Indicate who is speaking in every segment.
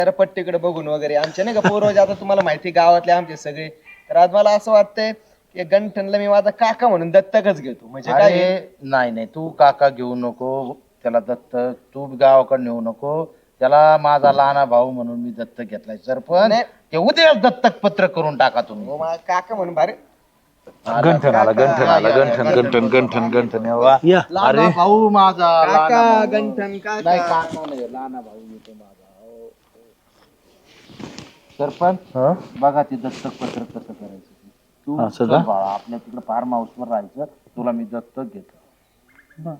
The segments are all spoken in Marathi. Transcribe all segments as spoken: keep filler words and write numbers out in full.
Speaker 1: जरा पट्टीकडे बघून वगैरे आमच्या नाही का पूर्वज आता तुम्हाला माहिती गावातले आमचे सगळे. तर आज मला असं वाटतंय की गंठनला मी माझा काका म्हणून दत्तकच घेतो. म्हणजे काय आहे?
Speaker 2: अरे नाही नाही तू काका घेऊ नको त्याला दत्तक, तू गावाकडे नेऊ नको त्याला. माझा लहाना भाऊ म्हणून मी दत्तक घेतलाय सरपंच.
Speaker 1: नाही.
Speaker 2: ते उद्या दत्तक पत्र करून टाका तुम्ही.
Speaker 1: हो, माझा काका म्हणून भारी.
Speaker 3: गंठन आला गंठन आला
Speaker 2: या, या,
Speaker 3: गंठन
Speaker 2: या,
Speaker 3: गंठन
Speaker 2: या,
Speaker 3: गंठन
Speaker 2: या,
Speaker 3: गंठन वा
Speaker 4: या
Speaker 2: लहाना भाऊ माझा लहाना
Speaker 1: काका
Speaker 2: भाऊ.
Speaker 1: गंठन
Speaker 2: नाही
Speaker 1: काका.
Speaker 2: काका नाही लहाना भाऊ येतो माझा. हो, हो. सरपंच
Speaker 3: हा?
Speaker 2: बघा ते दत्तक पत्र कसं करायचं ते. तू
Speaker 3: असं
Speaker 2: चल
Speaker 3: का?
Speaker 2: बाळा आपल्या तिकडे फार्म हाऊस वर राहायचं. तुला मी दत्तक घेतो.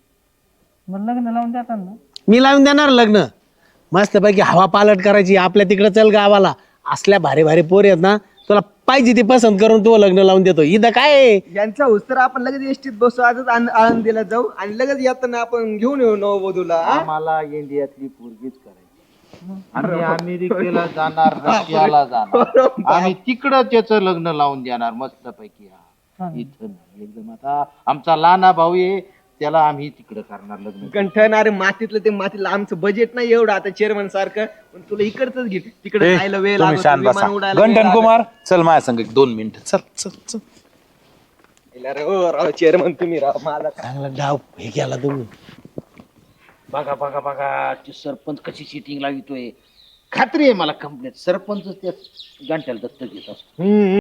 Speaker 4: मी लावून देणार लग्न. मस्तपैकी हवा पालट करायची आपल्या तिकडे. चल गावाला असल्या भारी भारी पोरी आहेत ना, तुला पाहिजे ती पसंत करून तू लग्न लावून देतो. इथं काय आहे?
Speaker 1: यांचा हुस्तर आपण लगेच एसटीत बसू आजच आण- आळंदीला जाऊ आणि लगेच येताना आपण घेऊन येऊ नववधूला. हा?
Speaker 2: आम्हाला इंडियातली पोरगीच करायची. आम्ही अमेरिकेला जाणार, रशियाला जाणार. आम्ही तिकडं त्याचं लग्न लावून देणार मस्त पैकी. इथं नाही. एकदम आता आमचा लहाना भाऊ आहे त्याला आम्ही तिकडं करणार लग्न.
Speaker 1: गंठन अरे मातीतलं ते मातीतलं आमचं बजेट नाही एवढं आता चेअरमन सारखं. पण तुला इकडच घे तिकडे
Speaker 3: ए,
Speaker 1: जायला वेळ
Speaker 3: तुम्ही
Speaker 1: लागतो,
Speaker 3: शांत
Speaker 1: विमान
Speaker 3: बसा.
Speaker 1: उडायला वेळ
Speaker 3: गंठन
Speaker 1: लागतो.
Speaker 3: कुमार चल माझ्या संग एक दोन मिनिट चल चल चल.
Speaker 1: अरे हो राव चेअरमन तुम्ही राव माझा काय.
Speaker 4: चांगला डाव हे केला तुम्ही.
Speaker 2: बघा बघा बघा ते सरपंच कशी सिटिंग लावितोय. खात्री आहे मला कंप्लेंट सरपंच त्या गांठ्याला दत्तक घेत असतो.